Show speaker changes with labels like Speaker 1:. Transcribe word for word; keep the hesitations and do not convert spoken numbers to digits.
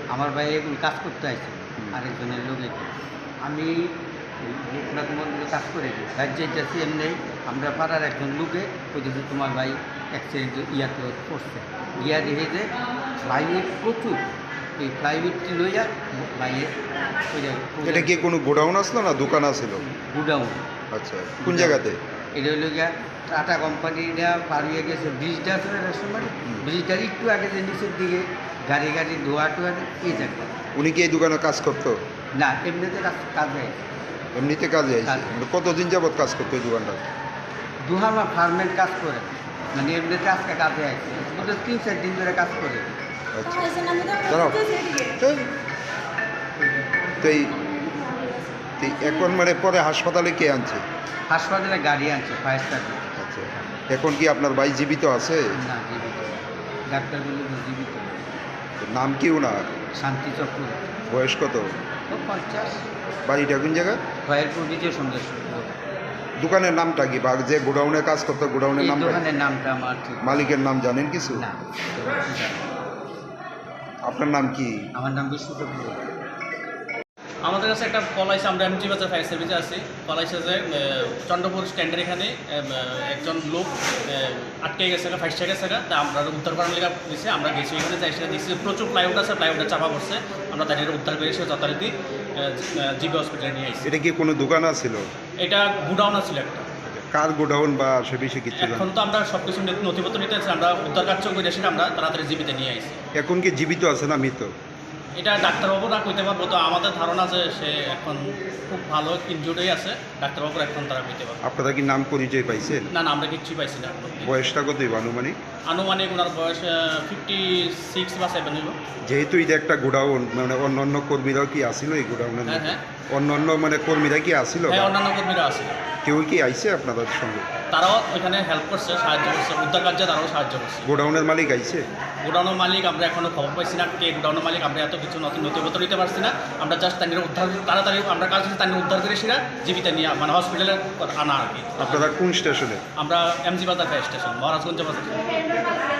Speaker 1: আমার ভাই এখন কাজ করতে আসছে আরেকজনের লোক এখানে। আমি রঘুনাথ মন্দিরে কাজ করে দিই রাজ্যে যাচ্ছি এমনি আমরা পাড়ার একজন লোকে বলতেছে তোমার ভাই অ্যাক্সিডেন্ট ইয়াতে পড়ছে গিয়া দেখে যে ফ্লাইউড প্রচুর এই ফ্লাইউডটি লইয়া ভাইয়ের
Speaker 2: এটা কি কোনো গোডাউন আসলো না দোকান আসলো?
Speaker 1: গুডাউন।
Speaker 2: আচ্ছা, কোন জায়গাতে?
Speaker 1: এটা হইল গিয়া টাটা কোম্পানিটা পার হয়ে গেছে ব্রিজটা আছে না রেস্টুরেন্ট ব্রিজটার একটু আগে যে নিচের দিকে গাড়ি গাড়ি ধোয়া টোয়া এই জায়গা।
Speaker 2: উনি কি এই দোকানে কাজ করতো?
Speaker 1: না এমনিতে কাজ কাজে
Speaker 2: এমনিতে কাজে আইছে?
Speaker 1: কাজে।
Speaker 2: মানে কতদিন যাবত কাজ করতো এই দোকানটা?
Speaker 1: দুহামা ফার্মের কাজ করে মানে এমনিতে আজকে কাজে আসছে ওদের তিন চার দিন ধরে কাজ করে।
Speaker 2: আচ্ছা দাঁড়াও। এই, তো এই তো এই এখন মানে পরে হাসপাতালে কে আনছে?
Speaker 1: হাসপাতালে গাড়ি আনছে ফায়ার সার্ভিস।
Speaker 2: আচ্ছা, এখন কি আপনার ভাই জীবিত আছে?
Speaker 1: না জীবিত ডাক্তার বলে জীবিত।
Speaker 2: নাম কি ওনার?
Speaker 1: শান্তি চক্রবর্তী।
Speaker 2: বয়স কত?
Speaker 1: ও পঞ্চাশ।
Speaker 2: বাড়িটা কোন জায়গা?
Speaker 1: খয়েরপুর বিজয় সন্দেশ।
Speaker 2: দোকানের নামটা কি? বা যে গোডাউনে কাজ করতো গোডাউনের
Speaker 1: এই
Speaker 2: নাম?
Speaker 1: দোকানের নামটা আমার ঠিক
Speaker 2: মালিকের নাম জানেন কিছু?
Speaker 1: না।
Speaker 2: আপনার নাম কি?
Speaker 1: আমার নাম বিষ্ণু চক্রবর্তী।
Speaker 3: আমাদের কাছে একটা কল আইসে, আমরা এমজি বাজার ফায়ার সার্ভিসে আছি। কল আইসে যে চন্দ্রপুর স্ট্যান্ডের এখানে একজন লোক আটকে গেছে, ফাইসে গেছে, তা আমরা উদ্ধার করার লেগে দিয়েছে। আমরা গেছি এখানে যাই, সেটা দেখছি প্রচুর প্লাইউড আছে, প্লাইউডে চাপা পড়ছে। আমরা তাদের উদ্ধার করে এসে যথারীতি জিবি হসপিটালে নিয়ে আসছি।
Speaker 2: এটা কি কোনো দোকান আছিল?
Speaker 3: এটা গুডাউন আছিল একটা।
Speaker 2: কার গোডাউন বা সে বিষয়ে কিছু জানেন?
Speaker 3: এখন তো আমরা সব কিছু নথিপত্র নিতে আছি, আমরা উদ্ধার কার্য করে এসে আমরা তাড়াতাড়ি জিবিতে নিয়ে আসছি।
Speaker 2: এখন কি জীবিত আছে না মৃত?
Speaker 3: এটা ডাক্তারবাবুরা কইতে পারবো, তো আমাদের ধারণা যে সে এখন খুব ভালো ইনজুর্ডই আছে, ডাক্তারবাবুরা এখন তারা কইতে পারবে।
Speaker 2: আপনারা কি নাম পরিচয় পাইছেন?
Speaker 3: না না, আমরা কিচ্ছুই পাইছি না।
Speaker 2: বয়সটা কত আনুমানিক?
Speaker 3: আনুমানিক ওনার বয়স ফিফটি সিক্স বা সেভেন হইব।
Speaker 2: যেহেতু এটা একটা গোডাউন, মানে অন্য অন্য কর্মীরাও কি আসিল এই গোডাউনের
Speaker 3: হ্যাঁ
Speaker 2: মধ্যে?
Speaker 3: হ্যাঁ
Speaker 2: অন্য অন্য মানে কর্মীরা কি আসিল?
Speaker 3: হ্যাঁ, অন্যান্য কর্মীরা আছে,
Speaker 2: কেউ কি আইছে আপনাদের সঙ্গে?
Speaker 3: তারাও ওইখানে হেল্প করছে, সাহায্য করছে, উদ্ধার কার্যে তারাও সাহায্য করছে।
Speaker 2: গোডাউনের মালিক আইছে?
Speaker 3: গোডাউনের মালিক আমরা এখনো খবর পাইছি না, কে গোডাউনের মালিক আমরা এত কিছু নতুন নথিপত্র নিতে পারছি না। আমরা জাস্ট তাদের উদ্ধার তাড়াতাড়ি আমরা কাজ করছি, তাদের উদ্ধার করে সেটা জীবিত নিয়ে মানে হসপিটালে আনা আর কি।
Speaker 2: আপনারা কোন স্টেশনে?
Speaker 3: আমরা এমজি বাজার ফায়ার স্টেশন, মহারাজগঞ্জ বাজার।